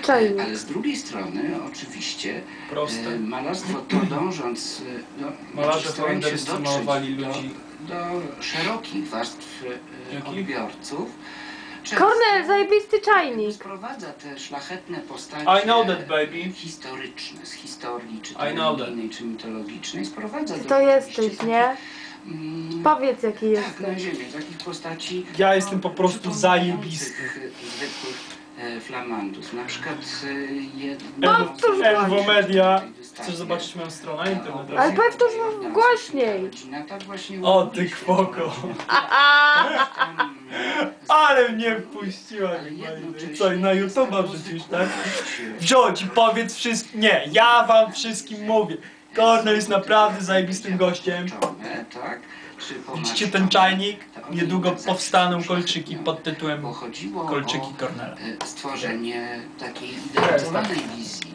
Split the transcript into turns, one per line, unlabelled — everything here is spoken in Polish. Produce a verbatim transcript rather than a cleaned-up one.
czajnik.
Ale z drugiej strony oczywiście
Proste.
malarstwo to dążąc, no,
Malarze
starając się
holenderscy
dotrzeć
malowali
do,
ludzi.
do szerokich warstw e,
Jakich?
odbiorców.
Kornel, zajebisty czajnik.
Sprowadza te szlachetne postacie
I know that, baby.
historyczne, z historii, czy to
I know that.
religijnej, czy mitologicznej. Sprowadza
Ty
do
to jesteś,
rzeczywiście
nie?
takich, mm,
Powiedz, jaki
tak,
jesteś.
na ziemię, takich postaci.
Ja jestem po prostu
przypominających,
zajebisty.
e, zwykłych e, flamandów. Na przykład e, jedno...
Powtórz
Enwo Media.
tej dystansie.
Chcesz zobaczyć moją stronę internetową?
Ale powtórz głośniej.
Rodzina, tak właśnie
O,
urodziła
ty
się.
kwoko.
Tam, e,
Ale mnie wpuściła.
ale jednocześnie
Co, na
jest
YouTube'a
taką
wrzucisz, tak?
zwykłość,
Wziąć i powiedz wszystkim. Nie, ja wam wszystkim mówię. Kornel jest naprawdę zajebistym gościem.
połączone, tak? Czy
Widzicie ten
pomarszczone,
czajnik?
to one
Niedługo
jednak zawsze
powstaną
są
kolczyki
szlachetne.
pod tytułem
Bo chodziło
Kolczyki
o
Kornela.
e, stworzenie takiej idealizowanej wizji